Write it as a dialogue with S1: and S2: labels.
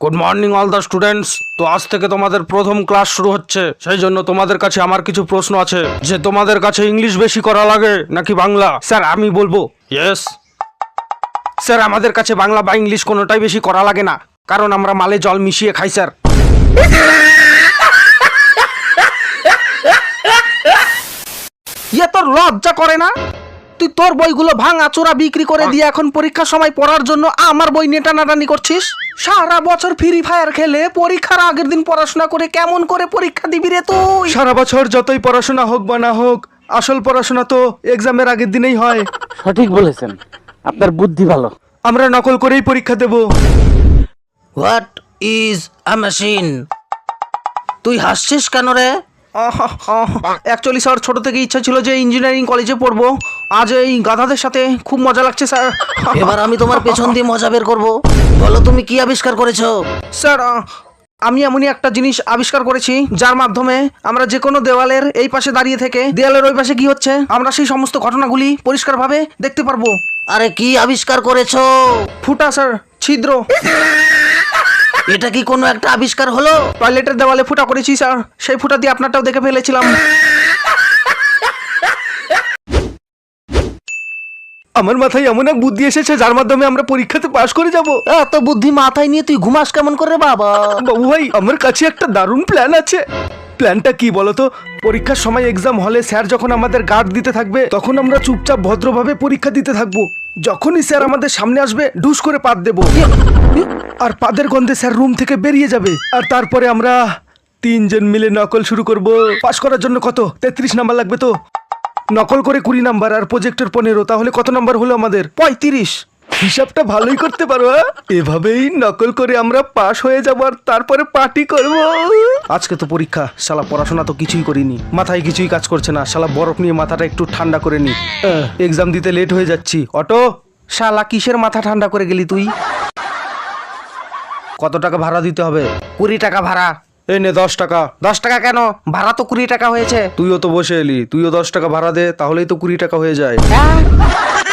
S1: Good morning all the students. তো আজ থেকে তোমাদের প্রথম ক্লাস শুরু হচ্ছে, সেই জন্য তোমাদের কাছে আমার কিছু প্রশ্ন আছে যে তোমাদের কাছে ইংলিশ বেশি করা লাগে নাকি বাংলা। স্যার আমি বলবো ইয়েস। স্যার আমাদের কাছে বাংলা বা ইংলিশ কোনোটাই বেশি করা লাগে না, কারণ আমরা মালে জল মিশিয়ে খাই স্যার। ইয়ে তোর লজ্জা করে না? তুই তোর বইগুলো ভাঙা চোরা বিক্রি করে দিয়ে এখন পরীক্ষার সময় পড়ার জন্য আমার বই নিয়ে টানাটানি করছিস। সারা বছর ফ্রি ফায়ার খেলে পরীক্ষার আগের দিন পড়াশোনা করে কেমন করে পরীক্ষা দিবি রে তুই? সারা বছর যতই পড়াশোনা হোক বা না হোক, আসল পড়াশোনা তো এক্সামের আগের দিনেই হয়।
S2: সঠিক বলেছেন, আপনার বুদ্ধি ভালো।
S1: আমরা নকল করেই পরীক্ষা দেব।
S3: What is a machine? তুই হাসছিস কেন রে?
S1: অ্যাকচুয়ালি স্যার ছোট থেকে ইচ্ছা ছিল যে ইঞ্জিনিয়ারিং কলেজে পড়বো। আজ এই গাধাদের সাথে খুব মজা লাগছে স্যার।
S3: এবার আমি তোমার পেছন দিয়ে মজা বের করবো। বলো তুমি কি আবিষ্কার করেছো?
S1: স্যার আমি এমনই একটা জিনিস আবিষ্কার করেছি যার মাধ্যমে আমরা যে কোনো দেওয়ালের এই পাশে দাঁড়িয়ে থেকে দেওয়ালের ওই পাশে কি হচ্ছে আমরা সেই সমস্ত ঘটনাগুলি পরিষ্কারভাবে দেখতে পারবো।
S3: আরে কি আবিষ্কার করেছো?
S1: ফুটা স্যার, ছিদ্র।
S3: এটা কি কোনো একটা আবিষ্কার হলো?
S1: টয়লেটের দেওয়ালে ফুটা করেছি স্যার, সেই ফুটা দিয়ে আপনারটাও দেখে ফেলেছিলাম। আমার মাথায় এমন এক বুদ্ধি এসেছে যার মাধ্যমে আমরা পরীক্ষাতে পাশ করে যাব।
S3: এত বুদ্ধি মাথায় নিয়ে তুই ঘুমাস কেমন করে বাবা?
S1: বাবু ভাই, আমার কাছে একটা দারুণ প্ল্যান আছে। প্ল্যানটা কি বলতো? পরীক্ষার সময় এক্সাম হলে স্যার যখন আমাদের গার্ড দিতে থাকবে তখন আমরা চুপচাপ ভদ্রভাবে পরীক্ষা দিতে থাকবো। যখনই স্যার আমাদের সামনে আসবে ঢুস করে পাত দেবো, আর পাদের গন্ধে স্যার রুম থেকে বেরিয়ে যাবে। আর তারপরে আমরা তিনজন মিলে নকল শুরু করব। পাশ করার জন্য কত 33 নাম্বার লাগবে তো? নকল করে 20 নাম্বার আর প্রজেক্টর 15, তাহলে কত নাম্বার হলো আমাদের? 35। হিসাবটা ভালোই করতে পারো। এভাবেই নকল করে আমরা পাশ হয়ে যাব আর তারপরে পার্টি করব। আজকে তো পরীক্ষা, শালা পড়াশোনা তো কিছুই করিনি, মাথায় কিছুই কাজ করছে না। শালা বরফ নিয়ে মাথাটা একটু ঠান্ডা করে নি। এক্সাম দিতে লেট হয়ে যাচ্ছি। অটো, শালা কিসের মাথা ঠান্ডা করে গেলি তুই? কত টাকা ভাড়া দিতে হবে?
S3: 20 টাকা ভাড়া।
S1: এই নে 10 টাকা।
S3: 10 টাকা কেন? ভাড়া তো 20 টাকা হয়েছে।
S1: তুইও তো বসে এলি, তুইও 10 টাকা ভাড়া দে, তাহলেই তো 20 টাকা হয়ে যায়।
S3: হ্যাঁ?